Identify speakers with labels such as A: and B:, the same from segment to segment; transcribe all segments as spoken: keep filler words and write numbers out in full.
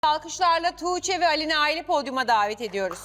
A: Alkışlarla Tuğçe ve Ali Nail'i podyuma davet ediyoruz.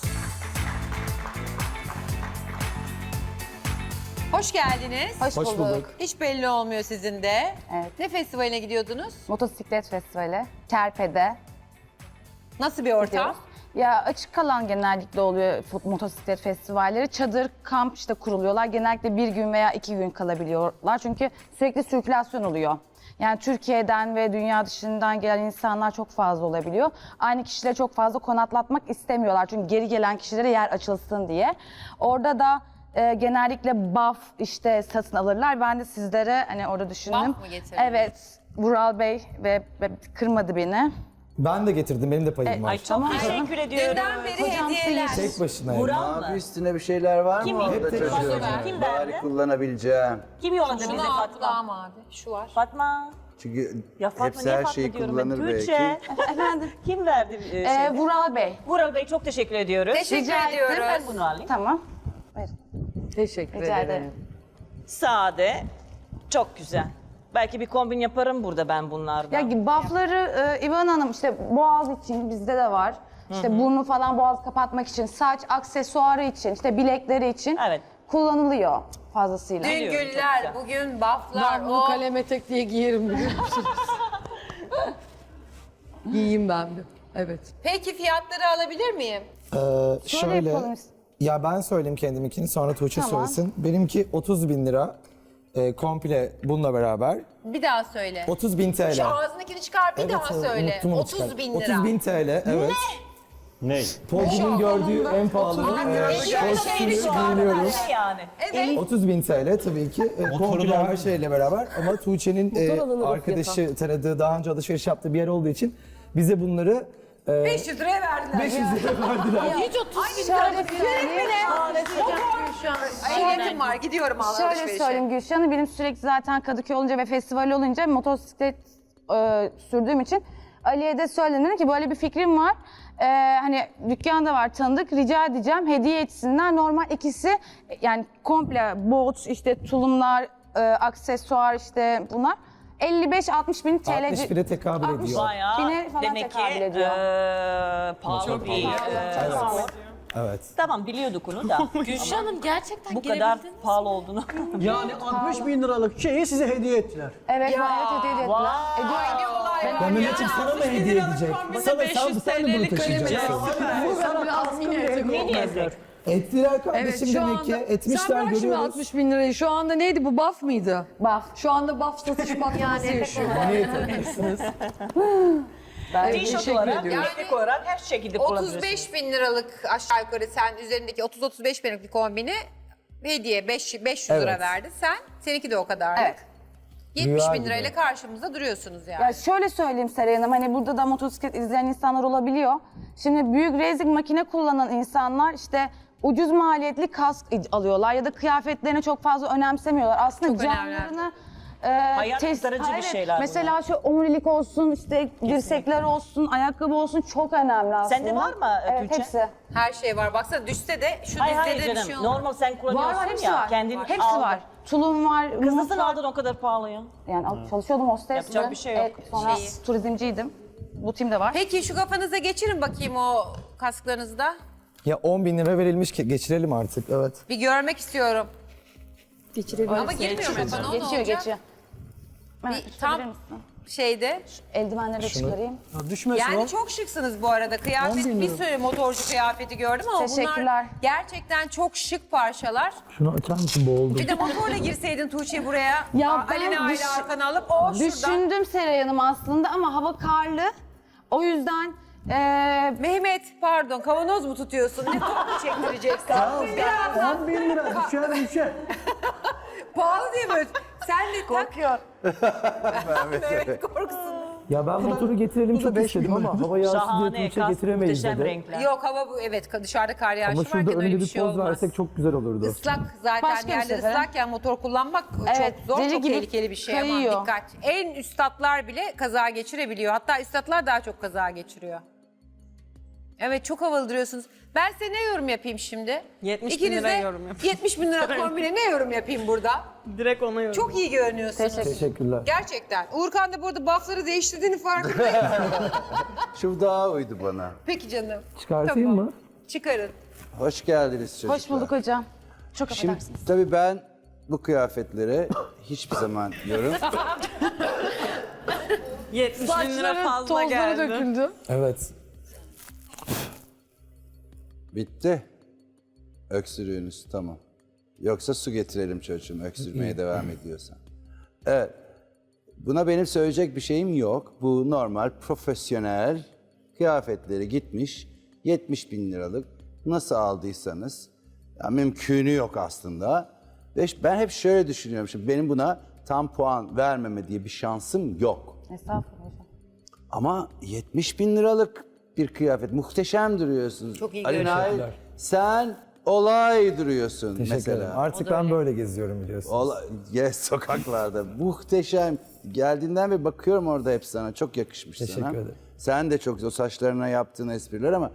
A: Hoş geldiniz.
B: Hoş,
C: Hoş
B: bulduk.
C: bulduk.
A: Hiç belli olmuyor sizin de.
B: Evet.
A: Ne festivaline gidiyordunuz?
B: Motosiklet festivali. Kerpe'de.
A: Nasıl bir ortam?
B: gidiyoruz. Ya açık alan genellikle oluyor fut- motosiklet festivalleri. Çadır, kamp işte kuruluyorlar. Genellikle bir gün veya iki gün kalabiliyorlar. Çünkü sürekli sirkülasyon oluyor. Yani Türkiye'den ve dünya dışından gelen insanlar çok fazla olabiliyor. Aynı kişileri çok fazla konaklatmak istemiyorlar. Çünkü geri gelen kişilere yer açılsın diye. Orada da e, genellikle buff işte satın alırlar. Ben de sizlere hani orada düşündüm.
A: Buff mı getirdin?
B: Evet. Vural Bey ve, ve kırmadı beni.
C: Ben de getirdim, benim de payım var.
D: Ay çok
B: Tamam.
D: teşekkür ediyorum.
A: Dünden beri
B: Hocam,
A: hediyeler.
C: Tek başınayım.
D: Vural mı?
E: Abi üstüne bir şeyler var
D: Kim
E: mı orada
D: hep
E: çocuğum?
D: Kim
E: Bari
D: verdi?
E: kullanabileceğim.
D: Kim yolladı bize
A: Şunu al
D: Fatma?
A: kulağım abi. Şu var.
D: Fatma.
E: Çünkü
D: Ya Fatma
E: hepsi
D: niye
E: her
D: Fatma
E: şeyi
D: diyorum ben?
E: kullanır belki.
D: Tuğçe.
B: Efendim.
D: Kim verdi e,
B: Ee,
D: şeyi?
B: Vural Bey.
D: Vural Bey çok teşekkür ediyoruz.
A: Teşekkür
B: Rica ederim.
A: ediyoruz.
D: Ben bunu alayım.
B: Tamam. Verin.
F: Teşekkür
B: Rica
F: ederim.
B: ederim.
D: Sade. Çok güzel. Belki bir kombin yaparım burada ben bunlardan.
B: Ya buffları e, İvan Hanım işte boğaz için bizde de var. İşte burnu falan boğaz kapatmak için, saç aksesuarı için, işte bilekleri için
D: Evet.
B: kullanılıyor fazlasıyla.
A: Dün
D: Biliyorum, çok
A: güller,
D: güzel.
A: bugün bufflar.
F: Ben bunu
A: o...
F: kalem etek diye giyerim biliyor musunuz? Giyeyim ben de. Evet.
A: Peki fiyatları alabilir miyim?
C: Ee, şöyle,
B: yapalım.
C: ya ben söyleyeyim kendiminkini, sonra Tuğçe
B: Tamam.
C: söylesin. Benimki otuz bin lira, e, komple bununla beraber.
A: Bir daha söyle.
C: otuz bin T L.
A: Şu ağzındakini çıkar bir daha
C: evet,
A: söyle.
C: unuttum onu
A: otuz
C: çıkardım.
A: bin lira.
C: otuz bin T L, evet.
G: Ne?
C: Podyumun gördüğü en pahalı e, kostümü giyiniyorum.
D: Ne yani?
A: Evet.
C: otuz bin T L tabii ki. E, komple her şeyle beraber, ama Tuğçe'nin e, arkadaşı tanıdığı, daha önce alışveriş yaptığı bir yer olduğu için bize bunları e,
A: beş yüz liraya verdiler.
C: beş yüz lira verdiler.
A: Hiç otuz bin lira. Ehliyetim var, gidiyorum
B: Şöyle
A: alışverişe.
B: söyleyeyim Gülşah Hanım, benim sürekli zaten Kadıköy olunca ve festival olunca motosiklet e, sürdüğüm için Ali'ye de söyledim dedim ki böyle bir fikrim var. E, hani dükkanda var tanıdık, rica edeceğim hediye etsinler. Normal ikisi yani komple bot işte tulumlar, e, aksesuar işte bunlar elli beş altmış bin T L.
C: altmış bine tekabül ediyor.
D: Bayağı
B: Bine falan
D: demek ki
B: tekabül ediyor.
D: eee, pahalı bir eee, spor.
C: Evet.
D: Tamam biliyorduk onu da.
H: Gülşah Hanım gerçekten
D: Bu kadar pahalı olduğunu.
G: Yani altmış bin liralık şeyi size hediye ettiler.
B: Evet, gayet hediye ettiler. Ediyor.
C: Ya Mehmet'im sana mı hediye edecek? Sana, sen, sen de bunu taşıyacaksın.
F: Bu biraz mini etek
D: Mini
F: olmaz.
D: etek.
C: Ettiler kardeşim,
F: şu
C: demek
F: anda-
C: ki. Etmişler,
F: Sen bırak şimdi
C: görüyoruz.
F: altmış bin lirayı. Şu anda neydi bu, buff mıydı?
B: Buff.
F: Şu anda buff satış patlaması yaşıyor. Ben
D: Tişört
F: teşekkür
D: olarak,
F: ediyorum.
D: etek olarak her şekilde kullanabilirsin.
A: otuz beş bin liralık aşağı yukarı sen üzerindeki otuz otuz beş binlik bir kombini hediye beş yüz lira
C: Evet.
A: verdi. Sen, seninki de o kadarlık.
B: Evet.
A: yetmiş
C: Rüya
A: bin
C: gibi.
A: lirayla karşımızda duruyorsunuz yani.
B: Ya şöyle söyleyeyim Seray Hanım, hani burada da motosiklet izleyen insanlar olabiliyor. Şimdi büyük racing makine kullanan insanlar işte ucuz maliyetli kask alıyorlar ya da kıyafetlerini çok fazla önemsemiyorlar. Aslında
A: Çok önemli.
B: canlarını e,
D: Hayat
B: test-
D: kurtarıcı bir
B: Evet,
D: şeyler
B: mesela şu omurilik olsun, işte dirsekler olsun, ayakkabı olsun çok önemli aslında.
D: Sende var mı,
B: Evet,
D: Tuğçe?
B: hepsi.
A: Her şey var. Baksana düşse de şu
D: Hayır
A: dizde
D: hayır
A: de bir
D: canım.
A: şey olmaz.
D: Normal sen
B: Var
D: kullanıyorsun
B: var, hepsi
D: ya.
B: var.
D: Kendin
B: Hepsi
D: aldın.
B: var. Tulum var,
D: Kız nasıl
B: muz var.
D: aldın o kadar pahalıya?
B: Yani al- çalışıyordum hostesle.
D: Yapacak bir şey yok.
B: Evet, sonra
A: Şeyi.
B: turizmciydim. Bu timde var.
A: Peki şu kafanıza geçirin bakayım o kasklarınızı da.
C: Ya on bin lira verilmiş ki geçirelim artık, evet.
A: Bir görmek istiyorum.
F: Geçirebiliriz.
A: Ama girmiyor mu kafana? O ne
B: Geçiyor,
A: olacak?
B: geçiyor. Hemen
A: Bir
B: tutabilir
A: tam
B: misin?
A: şeyde.
B: Eldivenleri de çıkarayım.
G: Ya düşmesin
A: Yani
G: o.
A: çok şıksınız bu arada. Kıyafet bir sürü motorcu kıyafeti gördüm ama bunlar
B: Teşekkürler.
A: gerçekten çok şık parçalar.
C: Şunu açar mısın, boğuldum.
A: Bir de motorla girseydin Tuğçe buraya.
B: Ya
A: Aa,
B: ben
A: Alina aile
B: düş-
A: arkana alıp o şuradan.
B: Düşündüm Seray Hanım aslında ama hava karlı. O yüzden eee
A: Mehmet pardon kavanoz mu tutuyorsun? Ne top mu çektireceksin? Biraz
G: on bin lira düşer düşer.
A: pahalı değil mi? Sen de korkuyor. Mehmet korksun.
C: Ya ben motoru getirelim çok istedim ama hava yağısı diye
D: Şahane,
C: Tuğçe
D: kas,
C: getiremeyiz
D: muhteşem
C: dedi.
D: renkler.
A: Yok hava bu evet dışarıda kar yağışı
C: Ama şurada
A: varken öyle
C: önünde
A: bir
C: bir
A: şey
C: poz
A: olmaz.
C: versek çok güzel olurdu.
A: Islak zaten
B: Başka bir
A: yerler
B: sefer.
A: ıslakken motor kullanmak
B: Evet,
A: çok zor,
B: deli
A: çok
B: gibi
A: tehlikeli bir şey
B: kayıyor.
A: ama dikkat. En üstatlar bile kaza geçirebiliyor. Hatta üstatlar daha çok kaza geçiriyor. Evet çok havalı duruyorsunuz. Ben size ne yorum yapayım şimdi?
H: yetmiş bin
A: İkiniz
H: lira
A: de
H: yorum yapın.
A: yetmiş bin lira kombine ne yorum yapayım burada?
H: Direkt ona yorum.
A: Çok iyi görünüyorsunuz.
C: Teşekkürler.
A: Gerçekten. Uğurkan da burada buffları değiştirdiğini farkındayım.
E: Şu daha uydu bana.
A: Peki canım.
C: Çıkartayım
A: Tamam.
C: mı?
A: Çıkarın.
E: Hoş geldiniz çocuklar.
B: Hoş bulduk hocam. Çok
E: Şimdi
B: affedersiniz.
E: tabii ben bu kıyafetlere hiçbir zaman yorum.
H: yetmiş bin lira
F: Saçları,
H: fazla
F: tozları
H: geldi.
F: döküldü.
C: Evet.
E: Bitti. Öksürüğünüz tamam. Yoksa su getirelim çocuğum öksürmeye devam ediyorsan. Evet. Buna benim söyleyecek bir şeyim yok. Bu normal, profesyonel kıyafetleri gitmiş yetmiş bin liralık nasıl aldıysanız ya mümkünü yok aslında. Ve ben hep şöyle düşünüyorum. Şimdi benim buna tam puan vermeme diye bir şansım yok.
B: Estağfurullah hocam.
E: Ama yetmiş bin liralık bir kıyafet. Muhteşem duruyorsunuz.
A: Çok iyi
E: Ali Nail,
C: Teşekkürler.
E: sen olay duruyorsun
C: Teşekkür
E: mesela.
C: ederim. Artık ben böyle geziyorum biliyorsunuz.
E: Ola, yes, sokaklarda. Muhteşem. Geldiğinden beri bakıyorum orada hep sana. Çok yakışmış
C: Teşekkür
E: sana.
C: ederim.
E: Sen de çok o saçlarına yaptığın espriler ama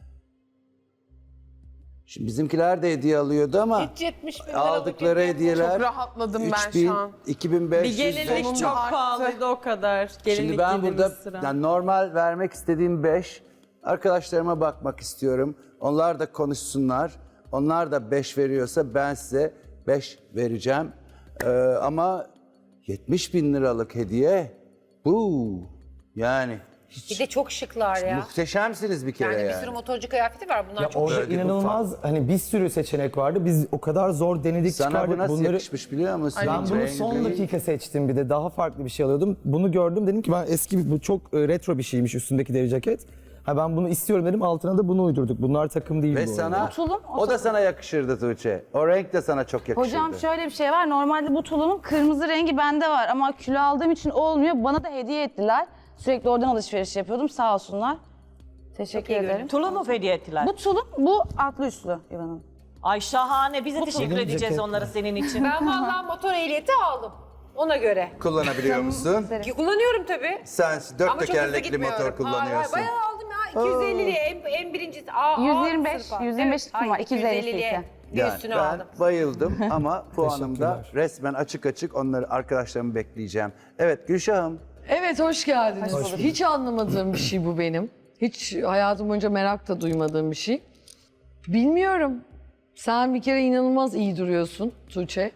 E: şimdi bizimkiler de hediye alıyordu ama
A: Hiç yetmiş bin liralık
E: aldıkları
A: hediye-
E: hediyeler
H: Çok rahatladım ben
E: üç bin,
H: şu an.
E: iki bin beş yüz,
H: Bir gelinlik
E: beş bin.
H: çok pahalıydı o kadar. Gelinlik
E: Şimdi ben
H: giydiğimiz
E: burada
H: sıra.
E: yani normal vermek istediğim beş. Arkadaşlarıma bakmak istiyorum. Onlar da konuşsunlar. Onlar da beş veriyorsa ben size beş vereceğim. Ee, ama yetmiş bin liralık hediye bu. Yani hiç
A: Bir de çok şıklar ya.
E: muhteşemsiniz bir kere
A: Yani
E: yani.
A: bir sürü motorcu kıyafeti var. Bunlar
C: Ya
A: çok
C: orada
E: Böyle bir
C: inanılmaz hani bir sürü seçenek vardı. Biz o kadar zor denedik
E: Sana bu
C: çıkardık
E: nasıl
C: bunları.
E: yakışmış biliyor musun?
C: Ben bunu
E: Rengi.
C: son dakika seçtim bir de daha farklı bir şey alıyordum. Bunu gördüm dedim ki ben eski bir- bu çok e, retro bir şeymiş üstündeki deri ceket. Ha ben bunu istiyorum dedim altına da bunu uydurduk. Bunlar takım değil
E: Ve
C: bu
E: sana,
C: arada.
B: tulum, o
E: o da sana yakışırdı Tuğçe. O renk de sana çok yakışırdı.
B: Hocam şöyle bir şey var. Normalde bu tulumun kırmızı rengi bende var ama kilo aldığım için olmuyor. Bana da hediye ettiler. Sürekli oradan alışveriş yapıyordum. Sağ olsunlar. Teşekkür ederim.
D: Tulum mu hediye ettiler?
B: Bu tulum, bu atlı üstlü İvan Hanım.
D: Ay şahane. Biz de teşekkür
C: tulum
D: edeceğiz
C: ceket.
D: onlara senin için.
A: Ben vallahi motor ehliyeti aldım. Ona göre.
E: Kullanabiliyor musun?
A: Ki kullanıyorum tabii.
E: Sen dört
A: Ama çok hızlı
E: tekerlekli
A: gitmiyorum.
E: motor kullanıyorsun.
A: Hayır, hayır, bayağı aldım ya. iki yüz elliliye en, en birincisi. Aa,
B: yüz yirmi beş,
A: alt sınıfa.
B: yüz yirmi beş
A: Evet,
B: var,
A: hayır,
B: iki yüz ellisi
A: elliliye
B: ise.
A: bir
E: Yani
A: üstüne
E: ben
A: aldım.
E: bayıldım ama puanımda
C: Teşekkürler.
E: resmen açık açık onları arkadaşlarımı bekleyeceğim. Evet Gülşah'ım.
F: Evet hoş geldiniz.
C: Hoş bulduk.
F: Hiç anlamadığım bir şey bu benim. Hiç hayatım boyunca merak da duymadığım bir şey. Bilmiyorum. Sen bir kere inanılmaz iyi duruyorsun Tuğçe.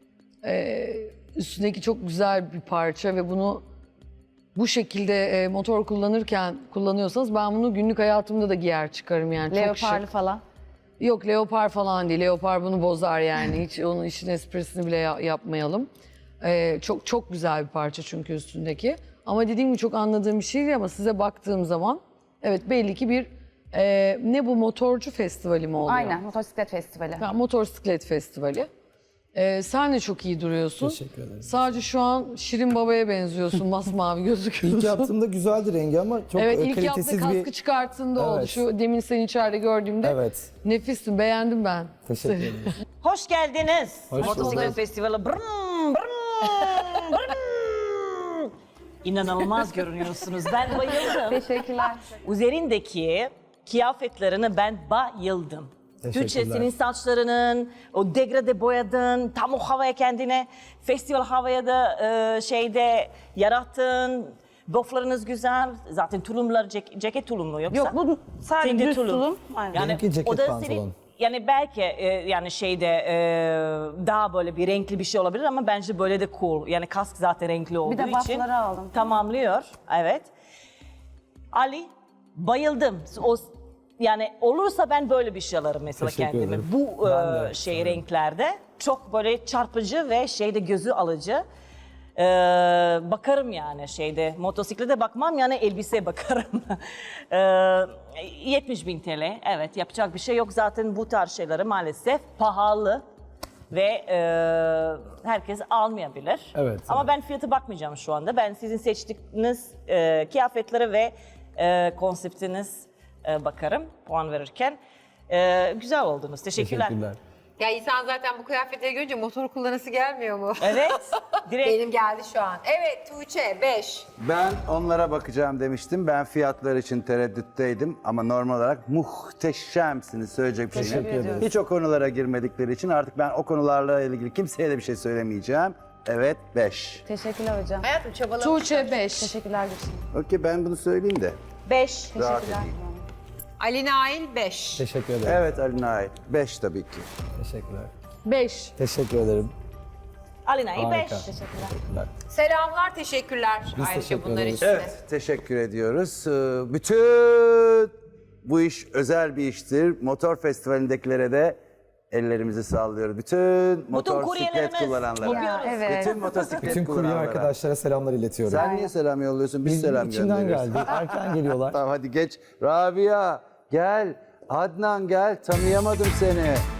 F: Ee, üstündeki çok güzel bir parça ve bunu bu şekilde e, motor kullanırken kullanıyorsanız ben bunu günlük hayatımda da giyer çıkarım yani. Çok
B: Leoparlı
F: şık.
B: falan.
F: Yok leopar falan değil. Leopar bunu bozar yani. Hiç onun işin esprisini bile ya- yapmayalım. Ee, çok çok güzel bir parça çünkü üstündeki. Ama dediğim gibi çok anladığım bir şey değil ama size baktığım zaman evet belli ki bir e, ne bu motorcu festivali mi oluyor?
B: Aynen, motosiklet festivali.
F: Ha, motosiklet festivali. Ee, sen de çok iyi duruyorsun.
C: Teşekkür ederim.
F: Sadece şu an Şirin Baba'ya benziyorsun. Masmavi gözüküyorsun.
C: İlk yaptığımda güzeldi rengi ama çok
F: Evet
C: e,
F: ilk yaptığı
C: kalitesiz
F: kaskı
C: bir...
F: çıkarttığında oldu.
C: Evet.
F: Şu demin seni içeride gördüğümde
C: Evet.
F: nefissin beğendim ben.
C: Teşekkür ederim.
D: Hoş geldiniz.
C: Hoş
D: Motosiklet
C: bulduk.
D: Festivali. Brrm, brrm, brrm. İnanılmaz görünüyorsunuz. Ben bayıldım.
B: Teşekkürler.
D: Üzerindeki kıyafetlerine ben bayıldım.
C: Teşekkürler.
D: Türkçe senin saçlarının, o degrade boyadın, tam o havaya kendine, festival havaya da e, şeyde yarattın. Boflarınız güzel. Zaten tulumlar, cek- ceket tulumlu yoksa?
B: Yok bu sadece
D: Senin de
B: düz
D: tulum.
B: tulum. Aynen.
D: Yani
C: Benimki ceket
D: o da
C: pantolon.
D: senin, yani belki e, yani şeyde e, daha böyle bir renkli bir şey olabilir ama bence böyle de cool. Yani kask zaten renkli olduğu
B: de
D: için
B: buffları aldım.
D: tamamlıyor. Evet. Ali bayıldım. O yani olursa ben böyle bir şey alırım mesela
C: Teşekkür
D: kendime.
C: ederim.
D: Bu
C: Ben de,
D: e, şey
C: sanırım.
D: renklerde çok böyle çarpıcı ve şeyde gözü alıcı. Ee, bakarım yani şeyde motosiklete bakmam yani elbiseye bakarım. ee, yetmiş bin T L evet yapacak bir şey yok zaten bu tarz şeyleri maalesef pahalı ve e, herkes almayabilir.
C: Evet,
D: Ama
C: evet.
D: ben fiyatı bakmayacağım şu anda. Ben sizin seçtiğiniz e, kıyafetlere ve e, konseptiniz e, bakarım puan verirken. E, güzel oldunuz. Teşekkürler.
C: Teşekkürler.
A: Ya insan zaten bu kıyafetleri görünce motor kullanası gelmiyor mu?
D: Evet. Direkt
A: Benim geldi şu an. Evet Tuğçe beş.
E: Ben onlara bakacağım demiştim. Ben fiyatlar için tereddütteydim ama normal olarak muhteşemsiniz, söyleyecek bir şeyim yok.
C: Teşekkür ederiz.
E: Hiç o konulara girmedikleri için artık ben o konularla ilgili kimseye de bir şey söylemeyeceğim. Evet, beş.
B: Teşekkürler hocam.
A: Hayatım çabalamış.
F: Tuğçe beş.
B: Teşekkürler Gülşen.
E: Okey, ben bunu söyleyeyim de.
D: beş.
E: Rahat edeyim.
A: Ali Nail beş.
C: Teşekkür ederim.
E: Evet Ali Nail, beş tabii ki.
C: Teşekkürler.
F: beş.
C: Teşekkür ederim.
D: Alina'yı
C: Harika.
D: beş.
C: Teşekkürler.
A: Selamlar, teşekkürler.
C: Biz
A: Ayrıca
C: teşekkür
A: bunlar
C: ederiz.
A: için de.
E: Evet, teşekkür ediyoruz. Ee, Bütün bu iş özel bir iştir. Motor festivaldekilere de ellerimizi sallıyoruz. Bütün motosiklet
D: kuryelerimiz
E: kullananlara.
D: bakıyoruz.
B: Evet.
E: Bütün motosiklet
C: Bütün kurye
E: kullananlara.
C: arkadaşlara selamlar iletiyorum.
E: Sen niye selam yolluyorsun? Biz,
C: Biz
E: selam
C: içimden
E: gönderiyoruz.
C: geldi. Erken geliyorlar.
E: Tamam hadi geç. Rabia gel. Adnan gel. Tanıyamadım seni.